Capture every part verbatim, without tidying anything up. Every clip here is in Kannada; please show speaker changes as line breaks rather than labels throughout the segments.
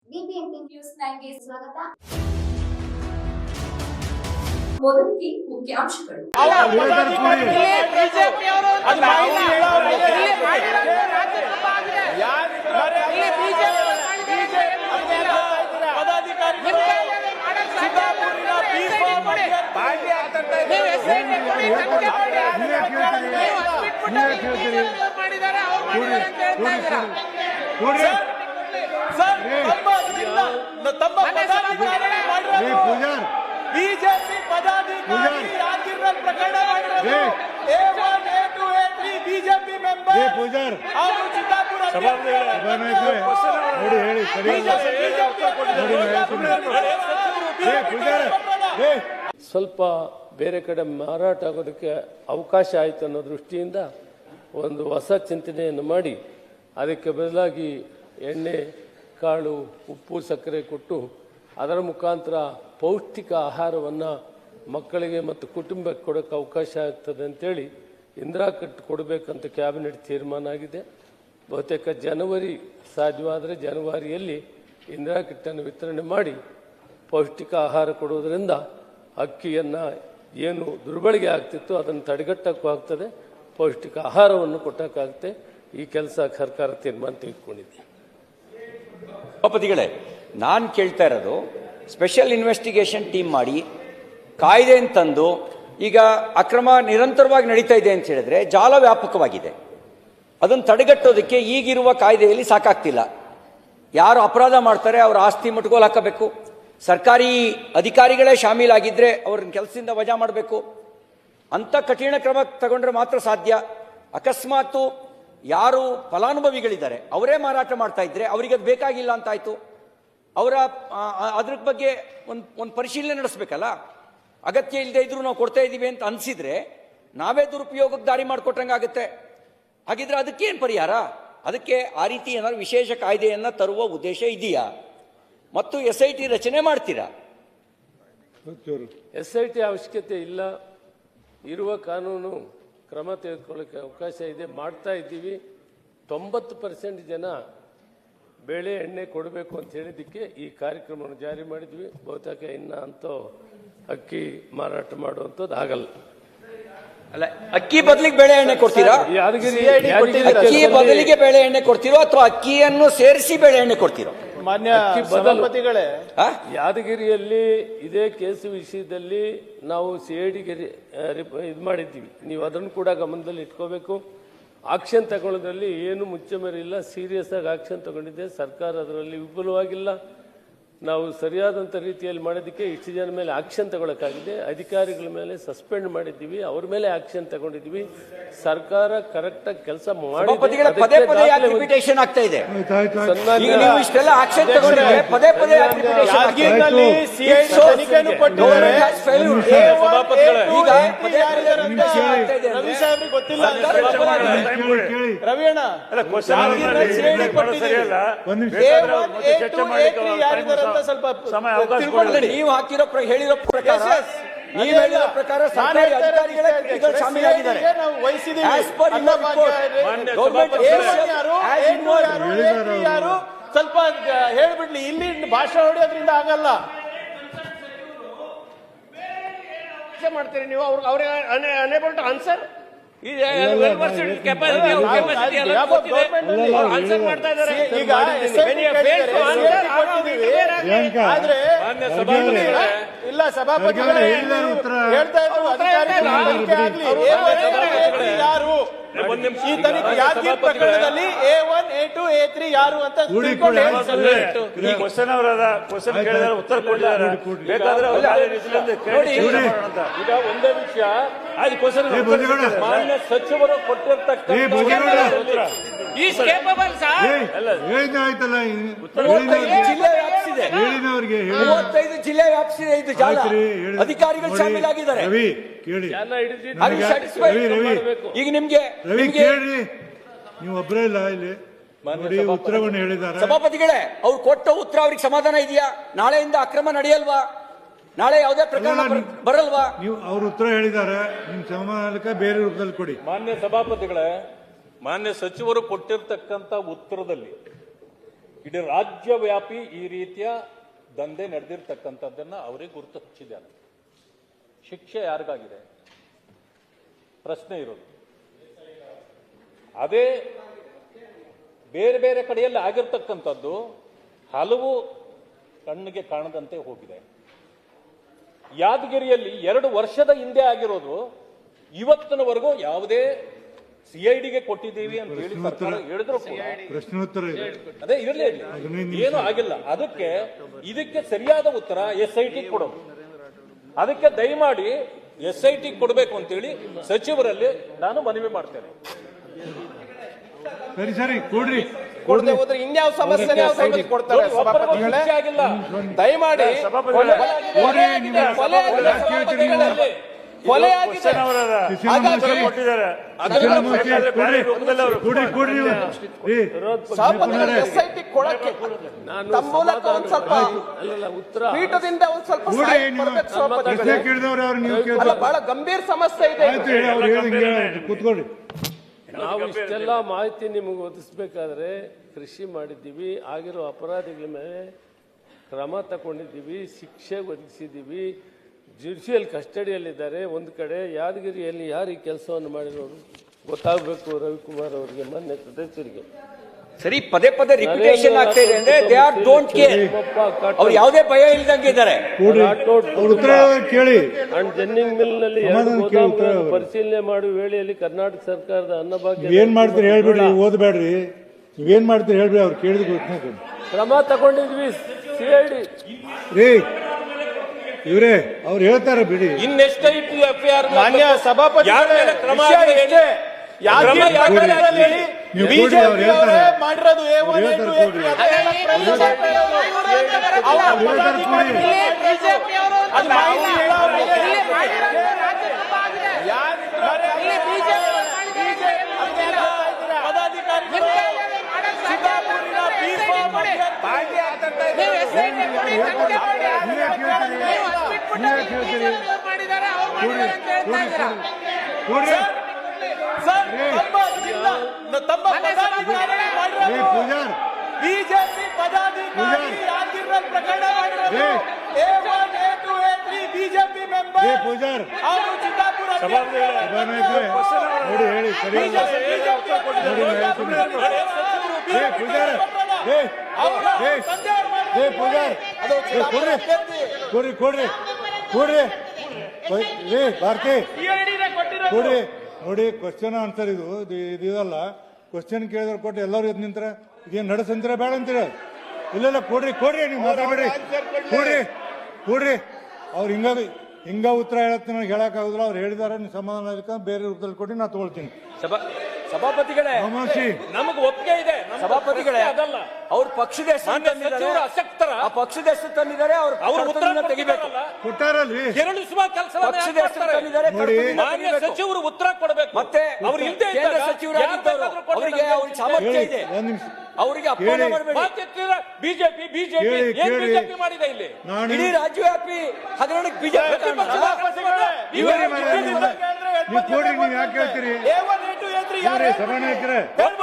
ಬಿಬಿಎಂಪಿ ನ್ಯೂಸ್ ನೈನ್ಗೆ ಸ್ವಾಗತ. ಮೊದಲಿಗೆ ಮುಖ್ಯಾಂಶಗಳು.
ಬಿಜೆಪಿ ಪದಾಧಿಕಾರಿ ಯಾಕಿರಲ್ ಪ್ರಕರಣ ಮಾಡಿರೋದು A one A two A three BJP member ಅವರು ಚಿತ್ತಾಪುರ
ನೋಡಿ ಹೇಳಿ
ಸ್ವಲ್ಪ ಬೇರೆ ಕಡೆ ಮಾರಾಟ ಆಗೋದಕ್ಕೆ ಅವಕಾಶ ಆಯಿತು ಅನ್ನೋ ದೃಷ್ಟಿಯಿಂದ ಒಂದು ಹೊಸ ಚಿಂತನೆಯನ್ನು ಮಾಡಿ ಅದಕ್ಕೆ ಬದಲಾಗಿ ಎಣ್ಣೆ ಕಾಳು ಉಪ್ಪು ಸಕ್ಕರೆ ಕೊಟ್ಟು ಅದರ ಮುಖಾಂತರ ಪೌಷ್ಟಿಕ ಆಹಾರವನ್ನು ಮಕ್ಕಳಿಗೆ ಮತ್ತು ಕುಟುಂಬಕ್ಕೆ ಕೊಡೋಕ್ಕೆ ಅವಕಾಶ ಆಗ್ತದೆ ಅಂತೇಳಿ ಇಂದಿರಾ ಕಿಟ್ ಕೊಡಬೇಕಂತ ಕ್ಯಾಬಿನೆಟ್ ತೀರ್ಮಾನ ಆಗಿದೆ. ಬಹುತೇಕ ಜನವರಿ ಸಾಧ್ಯವಾದರೆ ಜನವರಿಯಲ್ಲಿ ಇಂದಿರಾ ಕಿಟ್ಟನ್ನು ವಿತರಣೆ ಮಾಡಿ ಪೌಷ್ಟಿಕ ಆಹಾರ ಕೊಡುವುದರಿಂದ ಅಕ್ಕಿಯನ್ನು ಏನು ದುರ್ಬಳಕೆ ಆಗ್ತಿತ್ತು ಅದನ್ನು ತಡೆಗಟ್ಟಕ್ಕೂ ಆಗ್ತದೆ, ಪೌಷ್ಟಿಕ ಆಹಾರವನ್ನು ಕೊಟ್ಟಕ್ಕಾಗುತ್ತೆ. ಈ ಕೆಲಸ ಸರ್ಕಾರ ತೀರ್ಮಾನ ತೆಗೆದುಕೊಂಡಿದೆ.
ಸಭಾಪತಿಗಳೇ, ನಾನು ಕೇಳ್ತಾ ಇರೋದು ಸ್ಪೆಷಲ್ ಇನ್ವೆಸ್ಟಿಗೇಷನ್ ಟೀಮ್ ಮಾಡಿ ಕಾಯ್ದೆ ತಂದು ಈಗ ಅಕ್ರಮ ನಿರಂತರವಾಗಿ ನಡೀತಾ ಇದೆ ಅಂತ ಹೇಳಿದ್ರೆ ಜಾಲ ವ್ಯಾಪಕವಾಗಿದೆ. ಅದನ್ನು ತಡೆಗಟ್ಟೋದಕ್ಕೆ ಈಗಿರುವ ಕಾಯ್ದೆಯಲ್ಲಿ ಸಾಕಾಗ್ತಿಲ್ಲ. ಯಾರು ಅಪರಾಧ ಮಾಡ್ತಾರೆ ಅವರ ಆಸ್ತಿ ಮುಟ್ಗೋಲು ಹಾಕಬೇಕು, ಸರ್ಕಾರಿ ಅಧಿಕಾರಿಗಳೇ ಶಾಮೀಲಾಗಿದ್ದರೆ ಅವ್ರನ್ನ ಕೆಲಸದಿಂದ ವಜಾ ಮಾಡಬೇಕು. ಅಂಥ ಕಠಿಣ ಕ್ರಮ ತಗೊಂಡ್ರೆ ಮಾತ್ರ ಸಾಧ್ಯ. ಅಕಸ್ಮಾತು ಯಾರು ಫಲಾನುಭವಿಗಳಿದ್ದಾರೆ ಅವರೇ ಮಾರಾಟ ಮಾಡ್ತಾ ಇದ್ರೆ ಅವರಿಗೆ ಅದು ಬೇಕಾಗಿಲ್ಲ ಅಂತಾಯ್ತು. ಅವರ ಅದ್ರ ಬಗ್ಗೆ ಒಂದು ಒಂದು ಪರಿಶೀಲನೆ ನಡೆಸಬೇಕಲ್ಲ. ಅಗತ್ಯ ಇಲ್ಲದೆ ಇದ್ರೂ ನಾವು ಕೊಡ್ತಾ ಇದ್ದೀವಿ ಅಂತ ಅನಿಸಿದ್ರೆ ನಾವೇ ದುರುಪಯೋಗಕ್ಕೆ ದಾರಿ ಮಾಡಿಕೊಟ್ಟಂಗಾಗುತ್ತೆ. ಹಾಗಿದ್ರೆ ಅದಕ್ಕೇನು ಪರಿಹಾರ? ಅದಕ್ಕೆ ಆ ರೀತಿ ಏನಾದ್ರು ವಿಶೇಷ ಕಾಯ್ದೆಯನ್ನು ತರುವ ಉದ್ದೇಶ ಇದೆಯಾ? ಮತ್ತು ಎಸ್ ಐ ಟಿ ರಚನೆ ಮಾಡ್ತೀರಾ?
ಎಸ್ ಐ ಟಿ ಅವಶ್ಯಕತೆ ಇಲ್ಲ. ಇರುವ ಕಾನೂನು ಕ್ರಮ ತೆಗೆದುಕೊಳ್ಳೋಕ್ಕೆ ಅವಕಾಶ ಇದೆ, ಮಾಡ್ತಾ ಇದ್ದೀವಿ. ತೊಂಬತ್ತು ಪರ್ಸೆಂಟ್ ಜನ ಬೇಳೆ ಎಣ್ಣೆ ಕೊಡಬೇಕು ಅಂತ ಹೇಳಿದ್ದಕ್ಕೆ ಈ ಕಾರ್ಯಕ್ರಮವನ್ನು ಜಾರಿ ಮಾಡಿದ್ವಿ. ಬಹುತೇಕ ಇನ್ನು ಅಂತೂ ಅಕ್ಕಿ ಮಾರಾಟ ಮಾಡುವಂಥದ್ದು ಆಗಲ್ಲ.
ಅಲ್ಲ, ಅಕ್ಕಿ ಬದಲಿಗೆ ಬೇಳೆ ಎಣ್ಣೆ ಕೊಡ್ತೀರಾ?
ಯಾದಗಿರಿ
ಅಕ್ಕಿ ಬದಲಿಗೆ ಬೇಳೆ ಎಣ್ಣೆ ಕೊಡ್ತೀರೋ ಅಥವಾ ಅಕ್ಕಿಯನ್ನು ಸೇರಿಸಿ ಬೇಳೆ ಎಣ್ಣೆ ಕೊಡ್ತೀರೋ?
ಮಾನ್ಯ ಸಭಾಪತಿಗಳೇ,
ಯಾದಗಿರಿಯಲ್ಲಿ ಇದೇ ಕೇಸು ವಿಷಯದಲ್ಲಿ ನಾವು ಸಿ ಐ ಡಿಗೆ ಇದು ಮಾಡಿದ್ದೀವಿ. ನೀವು ಅದನ್ನು ಕೂಡ ಗಮನದಲ್ಲಿ ಇಟ್ಕೋಬೇಕು. ಆಕ್ಷನ್ ತಗೊಳ್ಳೋದ್ರಲ್ಲಿ ಏನು ಮುಚ್ಚಮರಿಲ್ಲ, ಸೀರಿಯಸ್ ಆಗಿ ಆಕ್ಷನ್ ತಗೊಂಡಿದ್ದೆ. ಸರ್ಕಾರ ಅದರಲ್ಲಿ ವಿಫಲವಾಗಿಲ್ಲ. ನಾವು ಸರಿಯಾದಂಥ ರೀತಿಯಲ್ಲಿ ಮಾಡೋದಕ್ಕೆ ಇಷ್ಟು ಜನ ಮೇಲೆ ಆಕ್ಷನ್ ತಗೊಳಕ್ಕಾಗಿದೆ. ಅಧಿಕಾರಿಗಳ ಮೇಲೆ ಸಸ್ಪೆಂಡ್ ಮಾಡಿದ್ದೀವಿ, ಅವ್ರ ಮೇಲೆ ಆಕ್ಷನ್ ತಗೊಂಡಿದ್ದೀವಿ. ಸರ್ಕಾರ ಕರೆಕ್ಟಾಗಿ ಕೆಲಸ ಮಾಡಿ
ಪದೇ ಪದೇ ರಿಪಿಟೇಷನ್ ಆಗ್ತಾ ಇದೆ. ಈಗ ನೀವು ಇಷ್ಟೆಲ್ಲ ಆಕ್ಷನ್ ತಗೊಂಡ್ರೆ ಪದೇ ಪದೇ
ಯಾದಗಿರಿನಲ್ಲಿ ಸಿಐಡಿ ತನಿಖೆಯನ್ನು ಕೊಟ್ಟಿದ್ದಾರೆ. ರವಿ ಸಾಹೇಬ್ರಿಗೆ ಗೊತ್ತಿಲ್ಲ ರವಿ ಅಣ್ಣ, ಸ್ವಲ್ಪ
ನೀವು ಹಾಕಿರೋ ಹೇಳಿರೋ ಪ್ರಕಾರ ನೀವು ಹೇಳಿರೋ ಪ್ರಕಾರ ಸರ್ಕಾರಿ ಅಧಿಕಾರಿಗಳೇ ಶಾಮೀಲಾಗಿದ್ದಾರೆ.
ಯಾರು ಸ್ವಲ್ಪ ಹೇಳ್ಬಿಡ್ಲಿ, ಇಲ್ಲಿ ಭಾಷೆ ಹೊಡೆಯೋದ್ರಿಂದ ಆಗಲ್ಲ.
ಮಾಡ್ತೀರಿ ನೀವು ಅವ್ರಿಗೆ ಅನೇಬಲ್ ಟು ಆನ್ಸರ್.
ಈಗ ಆದ್ರೆ ಇಲ್ಲ ಸಭಾಪತಿಗಳೇ ಹೇಳ್ತಾ ಇದ್ರು ಯಾರು ಈ ತನಿಖೆ ಯಾದಗಿರಿ ಪ್ರಕರಣದಲ್ಲಿ A one A two A three ಯಾರು ಅಂತ
ಕ್ವಶನ್ ಅವರದ ಕ್ವಶನ್ ಕೇಳಿದ್ರೆ ಉತ್ತರ ಕೊಟ್ಟಿದ್ದಾರೆ. ಬೇಕಾದ್ರೆ
ಈಗ ಒಂದೇ ವಿಷಯ, ಮಾನ್ಯ ಸಚಿವರು ಕೊಟ್ಟಿರ್ತಕ್ಕಂಥ
ಜಿಲ್ಲೆ ವ್ಯಾಪಿಸಿದೆ, ಮೂವತ್ತೈದು ಜಿಲ್ಲೆ ವ್ಯಾಪಿಸಿದೆ ಇದು ಜಾಲ. ಅಧಿಕಾರಿಗಳು ಶಾಮೀಲಾಗಿದ್ದಾರೆ. ಈಗ ನಿಮ್ಗೆ
ನೀವು ಒಬ್ಬರೇ ಇಲ್ಲ ಇಲ್ಲಿ ಉತ್ತರವನ್ನು ಹೇಳಿದ್ದಾರೆ.
ಸಭಾಪತಿಗಳೇ, ಅವ್ರು ಕೊಟ್ಟ ಉತ್ತರ ಅವ್ರಿಗೆ ಸಮಾಧಾನ ಇದೆಯಾ? ನಾಳೆಯಿಂದ ಅಕ್ರಮ ನಡೆಯಲ್ವಾ? ನಾಳೆ ಯಾವುದೇ ಪ್ರಕರಣ ಬರಲ್ವಾ?
ನೀವು ಅವ್ರ ಉತ್ತರ ಹೇಳಿದ್ದಾರೆ, ನಿಮ್ ಸಮಾಧಾನಕ್ಕೆ ಬೇರೆ ರೂಪದಲ್ಲಿ ಕೊಡಿ.
ಮಾನ್ಯ ಸಭಾಪತಿಗಳೇ, ಮಾನ್ಯ ಸಚಿವರು ಕೊಟ್ಟಿರ್ತಕ್ಕಂಥ ಉತ್ತರದಲ್ಲಿ
ಇಡೀ ರಾಜ್ಯವ್ಯಾಪಿ ಈ ರೀತಿಯ ದಂಧೆ ನಡೆದಿರ್ತಕ್ಕಂಥದ್ದನ್ನ ಅವರಿಗೆ ಗುರುತು ಹಚ್ಚಿದ್ದಾನೆ. ಶಿಕ್ಷೆ ಯಾರಿಗಾಗಿದೆ ಪ್ರಶ್ನೆ ಇರೋದು. ಅದೇ ಬೇರೆ ಬೇರೆ ಕಡೆಯಲ್ಲಿ ಆಗಿರ್ತಕ್ಕಂಥದ್ದು ಹಲವು ಕಣ್ಣಿಗೆ ಕಾಣದಂತೆ ಹೋಗಿದೆ. ಯಾದಗಿರಿಯಲ್ಲಿ ಎರಡು ವರ್ಷದ ಹಿಂದೆ ಆಗಿರೋದು ಇವತ್ತಿನವರೆಗೂ ಯಾವುದೇ ಸಿಐಡಿಗೆ ಕೊಟ್ಟಿದ್ದೀವಿ ಅಂತ ಹೇಳಿ ಸರ್ಕಾರ ಹೇಳಿದ್ರು ಕೂಡ
ಪ್ರಶ್ನೋತ್ತರ ಇದೆ.
ಅದೇ ಇರಲಿ ಏನು ಆಗಿಲ್ಲ. ಅದಕ್ಕೆ ಇದಕ್ಕೆ ಸರಿಯಾದ ಉತ್ತರ ಎಸ್ ಐ ಟಿ ಕೊಡೋದು. ಅದಕ್ಕೆ ದಯಮಾಡಿ ಎಸ್ ಐ ಟಿ ಕೊಡಬೇಕು ಅಂತೇಳಿ ಸಚಿವರಲ್ಲಿ ನಾನು ಮನವಿ ಮಾಡ್ತೇನೆ.
ಸರಿ ಸರಿ ಕೊಡ್ರಿ
ಕೊಡದೆ ಹೋದ್ರೆ ಇನ್ಯಾವ ಸಮಸ್ಯೆ ಕೊಡ್ತಾರೆ ಸಭಾಪತಿಗಳೇ.
ಆಗಿಲ್ಲ
ದಯಮಾಡಿ
ಕೊಡ್ರಿ ನೀವು.
ಕೊಲೆ ಆಗಿದೆ ಸಭಾಪತಿಗಳಲ್ಲಿ. ಕೊಲೆ ಆಗಿದೆ.
ಕೊಡ್ರಿ ಕೊಡ್ರಿ ನೀವು. ಏ,
ಸಭಾಪತಿಗಳು ಎಸ್ ಐ ಟಿ ಕೊಡಕ್ಕೆ
ನಾನು
ತಮ್ಮ ಮೂಲಕ ಒಂದ್ ಸ್ವಲ್ಪ
ಅಲ್ಲಲ್ಲ ಉತ್ತರ
ಪೀಠದಿಂದ ಒಂದ್ ಸ್ವಲ್ಪ
ಕೊಡ್ರಿ
ಸಹಾಯ
ನೀವು.
ಕೊಡ್ಬೇಕು
ಪ್ರಶ್ನೆ
ಸಭಾಪತಿಗಳೇ.
ಕೇಳಿದವ್ರು ಅವ್ರು ನೀವು
ಅಲ್ಲ,
ಕೇಳ್ತಾರೆ.
ಬಹಳ ಗಂಭೀರ ಸಮಸ್ಯೆ ಇದೆ.
ಆಯ್ತು ಹೇಳಿ, ಅವ್ರು ಹೇಳಿ ಹಿಂಗೆ ಹೇಳಿ. ಕೂತ್ಕೊಳ್ರಿ.
ನಾವು ಇಷ್ಟೆಲ್ಲ ಮಾಹಿತಿ ನಿಮಗೆ ಒದಗಿಸ್ಬೇಕಾದ್ರೆ ಕೃಷಿ ಮಾಡಿದ್ದೀವಿ, ಆಗಿರೋ ಅಪರಾಧಿಗಳ ಮೇಲೆ ಕ್ರಮ ತಗೊಂಡಿದ್ದೀವಿ, ಶಿಕ್ಷೆ ಒದಗಿಸಿದ್ದೀವಿ, ಜುಡಿಷಿಯಲ್ ಕಸ್ಟಡಿಯಲ್ಲಿದ್ದಾರೆ. ಒಂದು ಕಡೆ ಯಾದಗಿರಿಯಲ್ಲಿ ಯಾರು ಈ ಕೆಲಸವನ್ನು ಮಾಡಿರೋರು ಗೊತ್ತಾಗಬೇಕು ರವಿಕುಮಾರ್ ಅವರಿಗೆ, ಮಾನ್ಯ ಸದಸ್ಯರಿಗೆ.
ಸರಿ, ಪದೇ ಪದೇ ರಿಪಿಟೇಷನ್ ಆಗ್ತಾ ಇದೆ ಅಂದ್ರೆ ದೇ ಆರ್ ಡೋಂಟ್ ಕೇರ್. ಅವ್ರು ಯಾವುದೇ ಭಯ ಇಲ್ದಂಗೆ ಇದ್ದಾರೆ.
ಕೊಡ್ರಿ ಅವ್ರ ಉತ್ತರ ಕೇಳಿ.
ಅಂಡ್ ಜೆನ್ನಿಂಗ್ ಮಿಲ್ ನಲ್ಲಿ ಎರಡು ಗೋದಾಮುಗಳನ್ನು ಪರಿಶೀಲನೆ ಮಾಡುವ ವೇಳೆಯಲ್ಲಿ ಕರ್ನಾಟಕ ಸರ್ಕಾರದ ಅನ್ನಭಾಗ್ಯ
ಏನ್ ಮಾಡ್ತೀರಿ ಹೇಳ್ಬಿಡ್ರಿ, ಓದ್ಬೇಡ್ರಿ. ನೀವೇನ್ ಮಾಡ್ತೀರಿ ಹೇಳ್ಬಿಡಿ, ಅವ್ರು ಕೇಳಿದ ಗೊತ್ತಿನ
ಕ್ರಮ ತಗೊಂಡಿದ್ವಿ. ಸಿಐಡಿ
ರೀ ಇವ್ರೇ ಅವ್ರು ಹೇಳ್ತಾರೆ ಬಿಡಿ.
ಇನ್ನೆಷ್ಟೈತು ಎಫ್ ಐ ಆರ್
ಮಾನ್ಯ ಸಭಾಪತಿಗಳೇ,
ಕ್ರಮ
ವಿಷಯ ಇಷ್ಟೇ. ಯಾದಗಿರಿ ಪ್ರಕರಣದಲ್ಲಿ
ನೀವು ಕೊಡ್ರಿ,
ಬಿಜೆಪಿ
ಅವ್ರು ಹೇಳ್ತಾರೆ.
ಅವರೇ ಮಾಡಿರೋದು A one, A two, A three.
ಅವ್ರು ಹೇಳ್ತಾರೆ ಕೊಡ್ರಿ.
ಅದು ಮಾಹಿತಿ ಹೇಳೋರು ಪದಾಧಿಕಾರಿಗಳು ಸಿದ್ದಾಪುರಿನ ಬಿ ಫಾರ್ಮ್ ಭಾಗ್ಯ ಆಗ್ತಾ
ಕೊಡ್ರಿ
ಸರ್, ತಮ್ಮ ತಮ್ಮ ಪದಾಧಿಕಾರಿ
ಏ ಪೂಜಾರ್
ಬಿಜೆಪಿ ಪದಾಧಿಕಾರಿ ಯಾದಗಿರಿ ಪ್ರಕರಣ ಮಾಡಿರೋದು A one, A two, A three BJP member.
A Pujar
ಅವರು ಚಿತ್ತಾಪುರ
ಸಭಾನಾಯಕರೇ ನೋಡಿ ಹೇಳಿ ಸರಿ. ಏ ಪೂಜಾರ್ ಏ ಏ ಏ ಪೂಜಾರ್ ಏ ಕೊಡ್ರಿ ಕೊಡ್ರಿ ಕೊಡ್ರಿ ಕೊಡ್ರಿ ಏ ಭಾರತಿ ಕೊಡ್ರಿ. ನೋಡಿ ಕ್ವಶನ್ ಆನ್ಸರ್ ಇದು ಇದು ಇದಲ್ಲ. ಕ್ವಶನ್ ಕೇಳಿದ್ರೆ ಕೊಟ್ಟು ಎಲ್ಲರೂ ಎದ್ದು ನಿಂತರ ಇದೇನು ನಡೆಸಂತೀರ ಬೇಡ ಅಂತೀರ? ಇಲ್ಲ ಕೊಡ್ರಿ ಕೊಡ್ರಿ, ನೀವು ಮಾತಾಡ್ಬೇಡ್ರಿ. ಕೊಡ್ರಿ ಕೊಡ್ರಿ. ಅವ್ರು ಹಿಂಗ ಹಿಂಗ ಉತ್ತರ ಹೇಳತ್ತೆ ನನಗೆ ಹೇಳಕ್ಕಾಗುದಿಲ್ಲ. ಅವ್ರು ಹೇಳಿದಾರೆ, ನೀವು ಸಮಾಧಾನ ಅದಕ್ಕೆ ಬೇರೆ ರೂಪದಲ್ಲಿ ಕೊಡಿ, ನಾ ತಗೊಳ್ತೀನಿ.
ಸಭಾಪತಿಗಳೇ,
ನಮಸ್ತೆ.
ನಮಗೆ ಒಪ್ಪಿಗೆ ಇದೆ.
ಸಭಾಪತಿಗಳೇ,
ಅದಲ್ಲ
ಅವ್ರ ಪಕ್ಷದ ಹೆಸರು ತಂದಿದ್ದಾರೆ.
ಸಚಿವರು ಅಸಕ್ತರ
ಆ ಪಕ್ಷದ ಹೆಸರು ತಂದಿದ್ದಾರೆ. ಅವ್ರ
ಅವ್ರ ಉತ್ತರ
ತೆಗಿಬೇಕು.
ಕೊಟ್ಟಾರಲ್ರಿ
ಕೆರಳಿಸುವ ಕೆಲಸ
ಪಕ್ಷದ ಹೆಸರು ತಂದಿದ್ದಾರೆ.
ನೋಡಿ.
ಮಾನ್ಯ ಸಚಿವರು ಉತ್ತರ ಕೊಡಬೇಕು.
ಮತ್ತೆ
ಅವ್ರು ಇಲ್ಲದೆ
ಕೇಂದ್ರ ಸಚಿವರಾಗಿದ್ದವರು ಅವರಿಗೆ ಅವ್ರಿಗೆ ಸಾಮರ್ಥ್ಯ ಇದೆ.
ಒಂದ್ ನಿಮಿಷ
ಅವರಿಗೆ ಅಪಮಾನ ಮಾಡಬೇಡಿ.
ಬಿಜೆಪಿ ಬಿಜೆಪಿ
ಕೇಳಿ,
ಏನ್
ಕೇಳಿ.
ಬಿಜೆಪಿ ಮಾಡಿದೆ ಇಲ್ಲಿ?
ನಾನು
ಇಡೀ ರಾಜ್ಯವ್ಯಾಪಿ ಹಗರಣಕ್ಕೆ ಬಿಜೆಪಿ
ಇವ್ರೇ ಮನೆ ನೀವು ನೀವು ಕೊಡ್ರಿ, ನೀವು ಯಾಕೆ ಹೇಳ್ತೀರಿ?
A one, A two, A three ಯಾರು
ಇವ್ರೇ ಸಭಾನಾಯಕರೇ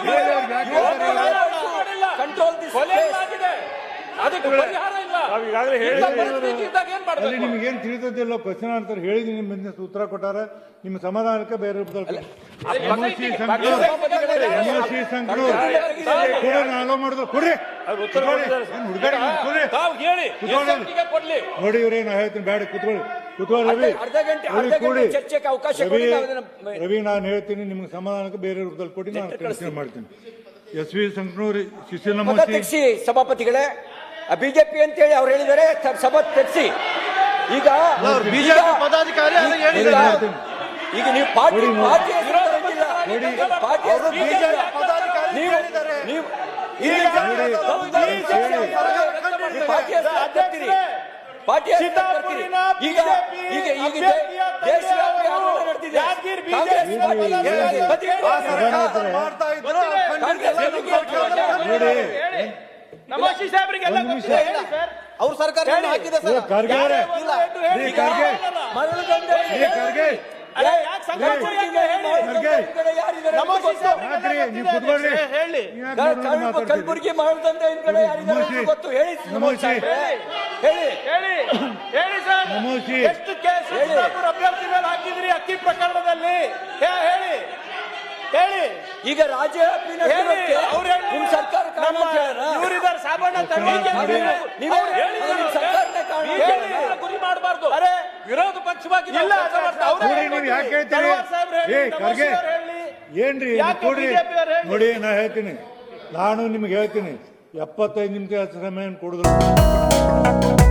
ಕಂಟ್ರೋಲ್ ದಿಸ್
ಆಗಿದೆ. ಅದಕ್ಕೆ ಪರಿಹಾರ ಇಲ್ಲ. ಇಂಥ ಪರಿಸ್ಥಿತಿ ಇದ್ದಾಗ ಏನ್
ಅಲ್ಲಿ
ಮಾಡ್ಬೇಕು?
ನಿಮ್ಗೇನ್ ತಿಳಿದಿಲ್ಲ ಕ್ವಶನ್ ಆನ್ಸರ್ ಹೇಳಿದೀನಿ. ನಿಮ್ಮ ಬಿಸ್ನೆಸ್ ಉತ್ತರ ಕೊಟ್ಟಾರ. ನಿಮ್ಮ ಸಮಾಧಾನಕ್ಕೆ ಬೇರೆ ರೂಪದಲ್ಲಿ ಎಮ್ಎಲ್ಸಿ ಸಂಕಲೂರ್ ಎಮ್ಎಲ್ಸಿ ಸಂಕಲೂರ್ ಕೊಡ್ರಿ, ನಾನು ಅಲೋ ಮಾಡಿದ್ರು ಕೊಡ್ರಿ. ಹುಡುಗಾಡಿ ಕೊಡ್ರಿ.
ತಾವು ಹೇಳಿ
ಕುತ್ಕೊಳ್ಳಿ.
ಎಸ್ ಐ ಟಿಗೆ ಕೊಡ್ಲಿ.
ನೋಡಿ ಇವ್ರೇ ನಾ ಹೇಳ್ತೀನಿ, ಬೇಡ ಕುತ್ಕೊಳ್ಳಿ ಕುತ್ಕೊಳ್ಳಿ. ರವಿ
ಅರ್ಧ ಗಂಟೆ
ರವಿ
ಅರ್ಧ
ಕೊಡಿ.
ಗಂಟೆ ಚರ್ಚೆಗೆ ಅವಕಾಶ
ರವಿ
ಕೊಡಿ. ನಾವು ಅದನ್ನ-
ರವಿ ನಾನು ಹೇಳ್ತೀನಿ, ನಿಮ್ಗೆ ಸಮಾಧಾನಕ್ಕೆ ಬೇರೆ ರೂಪದಲ್ಲಿ ಕೊಡಿ, ನಾನು ಕನ್ಸಿಡರ್ ಮಾಡ್ತೀನಿ. ಎಸ್ ವಿ ಸಂಕನೂರ್ ಶಿಶಿಲ
ಮತ ತೆಗಿಸಿ ಸಭಾಪತಿಗಳೇ. ಬಿಜೆಪಿ ಅಂತ ಹೇಳಿ ಅವ್ರು ಹೇಳಿದ್ದಾರೆ, ಸಭಾ ತೆಗಿಸಿ. ಈಗ
ಬಿಜೆಪಿ ಪದಾಧಿಕಾರಿ ಅದು ಹೇಳಿದ್ದಾರೆ.
ಈಗ ನೀವು ಪಾರ್ಟಿ
ನೋಡಿ,
ಪಾರ್ಟಿ ಹೆಸರು ತರಂಗಿಲ್ಲ. ಪಾರ್ಟಿ ಹೆಸರು
ಬಿಜೆಪಿ ಪದಾಧಿಕಾರಿ
ನೀವು
ಹೇಳಿದ್ದಾರೆ.
ನೀವು
ಈಗ
ಈಗ ನೀವು ಪಾರ್ಟಿ ಹೆಸರು ಯಾಕೆ ತರ್ತೀರಿ? ಪಾರ್ಟಿ ಹೆಸರು ಯಾಕೆ ತರ್ತೀರಿ? ಈಗ ಈಗ ಈಗ ದೇಶವ್ಯಾಪಿ ಆಂದೋಲನ ನಡೆದಿದೆ.
ಯಾದಗಿರಿ
ಕಾಂಗ್ರೆಸ್
ಬಿಜೆಪಿ
ಮಾಡ್ತಾ ಇದ್ರು.
ಕಾಂಗ್ರೆಸ್
ನೋಡಿ
ನಮಾಜಿ ಸಾಹೇಬ್ರಿಗೆ ಎಲ್ಲ
ಒಂದು ನಿಮಿಷ.
ಗೊತ್ತಿದೆ. ಹೇಳಿ ಸರ್. ಅವ್ರ ಸರ್ಕಾರ ಹಾಕಿದೆ
ಏ, ಖರ್ಗೆ ಅವರೇ,
ಇಲ್ಲ.
ಏ, ಖರ್ಗೆ
ಮರಳು ದಂಧೆ
ಏ, ಖರ್ಗೆ
ಅರೆ, ಯಾಕ್ ಸಂಕೋಚ ಯಾಕೆ ಹೇಳಿ?
ಖರ್ಗೆ
ನಮೋಶಿ ಸಾಹೇಬ್ರಿಗೆ
ಯಾಕ್ರಿ ನೀವು
ಗೊತ್ತಿದೆ
ಕುತ್ಕೊಳ್ರಿ
ಅಧ್ಯಕ್ಷರೇ, ಹೇಳಿ
ಯಾಕ್ ನೋಡ್ರಿ ಮಾತಾಡ್ತೀರಿ?
ಕಲಬುರಗಿ ಮಾಡದಂತೆ ಇನ್ ಕಡೆ ಯಾರಿದ್ದಾರೆ ಅಂತ ಗೊತ್ತು ಹೇಳಿ
ನಮೋಶಿ
ಹೇಳಿ
ಹೇಳಿ ಹೇಳಿ ಸರ್
ನಮೋಶಿ
ಎಷ್ಟು ಕೇಸ್ ಅಭ್ಯರ್ಥಿ ಮೇಲೆ ಹಾಕಿದ್ರಿ ಅಕ್ಕಿ ಪ್ರಕರಣದಲ್ಲಿ ಹೇ- ಹೇಳಿ ಹೇಳಿ
ಈಗ ರಾಜ್ಯ
ಹೇಳಿ ಅವ್ರು ಹೇಳಿ
ನಿಮ್ ಸರ್ಕಾರ ಕಾರಣ ಅಂತ ಹೇಳೋಣ?
ಇವರಿದ್ದಾರೆ ಸಾಬಣ್ಣ ತನಿಖೆ ಮಾಡಿ.
ನೀವು
ಅವ್ರು ಹೇಳಿ
ಅದು ನಿಮ್ ಸರ್ಕಾರನೇ ಕಾರಣ ಅಂತ
ಹೇಳಿ.
ಹೇಳೋಣ?
ಗುರಿ ಮಾಡಬಾರ್ದು.
ಅರೆ
ವಿರೋಧ ಪಕ್ಷವಾಗಿ ನಾವು
ಇಲ್ಲ
ಕೆಲಸ ಮಾಡ್ತಾ
ಅವ್ರೇ
ನೋಡಿ
ಹೇಳ್ಕೊಡ್ಲಿ.
ನೀವು ಯಾಕೆ ಹೇಳ್ತೀರಿ?
ತಳವಾರ್ ಸಾಹೇಬ್ರು ಹೇಳಿ,
ಏ,
ನಮೋಶಿ
ಖರ್ಗೆ.
ಅವ್ರು ಹೇಳಿ.
ಏನ್ರಿ
ಯಾಕೆ
ಕೊಡ್ರಿ
ಬಿಜೆಪಿ ಅವ್ರು ಹೇಳಿ?
ನೋಡಿ ನಾ ಹೇಳ್ತೀನಿ ನಾನು ನಿಮ್ಗೆ ಹೇಳ್ತೀನಿ ಎಪ್ಪತ್ತೈದು ನಿಮಿಷ ಸಮಯ ಕೊಡಿದ್ರು